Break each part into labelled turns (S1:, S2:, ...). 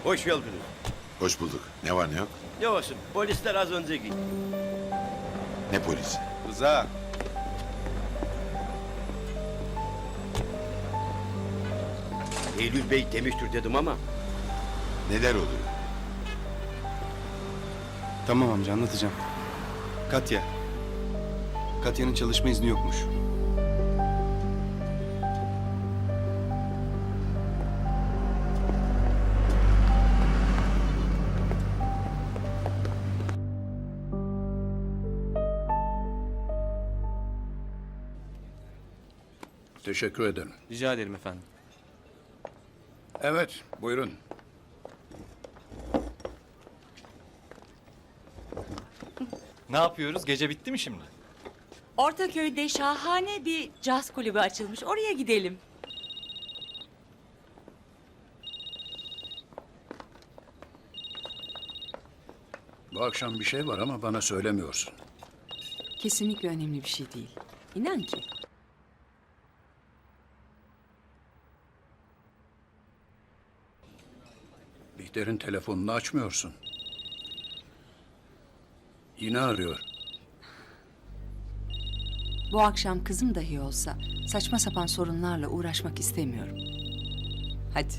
S1: Hoş geldiniz.
S2: Hoş bulduk. Ne var ne yok?
S1: Ne olsun, polisler az önce gitti.
S2: Ne polisi?
S3: Rıza.
S1: Eylül Bey demiştir dedim ama
S2: Neler oluyor?
S3: Tamam amca anlatacağım. Katya. Katya'nın çalışma izni yokmuş.
S4: Teşekkür ederim.
S5: Rica ederim efendim.
S4: Evet, buyurun.
S5: Ne yapıyoruz? Gece bitti mi şimdi?
S6: Ortaköy'de şahane bir caz kulübü açılmış. Oraya gidelim.
S4: Bu akşam bir şey var ama bana söylemiyorsun.
S6: Kesinlikle önemli bir şey değil. İnan ki.
S4: Bihter'in telefonunu açmıyorsun. Yine arıyor.
S6: Bu akşam kızım dahi olsa saçma sapan sorunlarla uğraşmak istemiyorum. Hadi.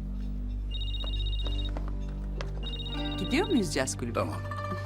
S6: Gidiyor muyuz caz kulübü?
S4: Tamam.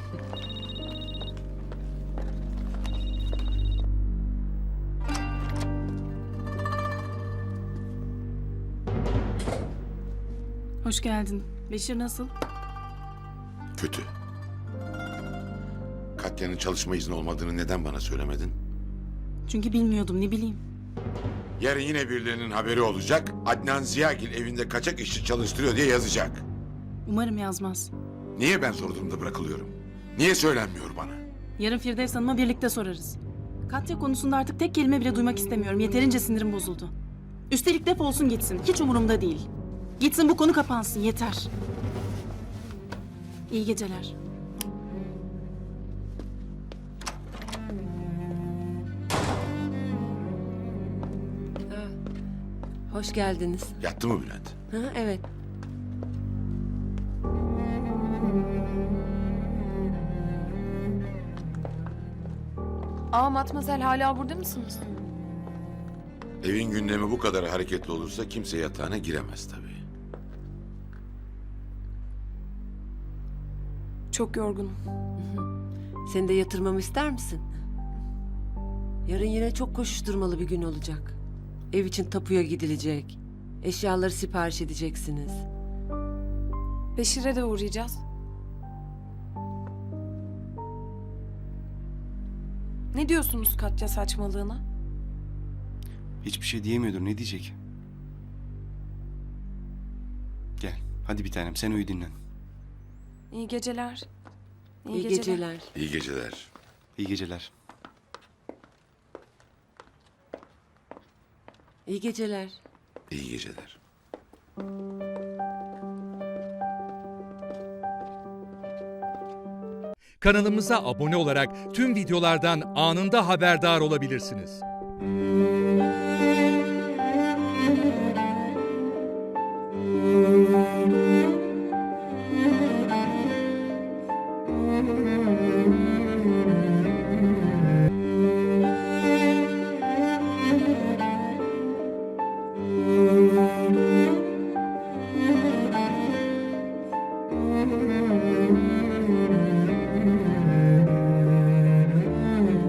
S7: Hoş geldin. Beşir nasıl?
S2: Kötü. Katya'nın çalışma izni olmadığını neden bana söylemedin?
S7: Çünkü bilmiyordum, ne bileyim.
S2: Yarın yine birilerinin haberi olacak. Adnan Ziyagil evinde kaçak işçi çalıştırıyor diye yazacak.
S7: Umarım yazmaz.
S2: Niye ben zor durumda bırakılıyorum? Niye söylenmiyor bana?
S7: Yarın Firdevs Hanım'a birlikte sorarız. Katya konusunda artık tek kelime bile duymak istemiyorum. Yeterince sinirim bozuldu. Üstelik defolsun gitsin. Hiç umurumda değil. Gitsin, bu konu kapansın. Yeter. İyi geceler.
S8: Hoş geldiniz.
S2: Yattı mı Bülent?
S8: Ha, evet.
S9: Matmazel hala burada mısınız?
S2: Evin gündemi bu kadar hareketli olursa kimse yatağına giremez tabii.
S9: Çok yorgunum.
S8: Seni de yatırmamı ister misin? Yarın yine çok koşuşturmalı bir gün olacak. Ev için tapuya gidilecek. Eşyaları sipariş edeceksiniz.
S9: Beşir'e de uğrayacağız. Ne diyorsunuz Katya saçmalığına?
S3: Hiçbir şey diyemiyordur. Ne diyecek? Gel. Hadi bir tanem sen uyu dinlen.
S9: İyi geceler.
S8: İyi geceler.
S2: İyi geceler.
S3: İyi geceler.
S8: İyi geceler.
S2: İyi geceler.
S10: Kanalımıza abone olarak tüm videolardan anında haberdar olabilirsiniz.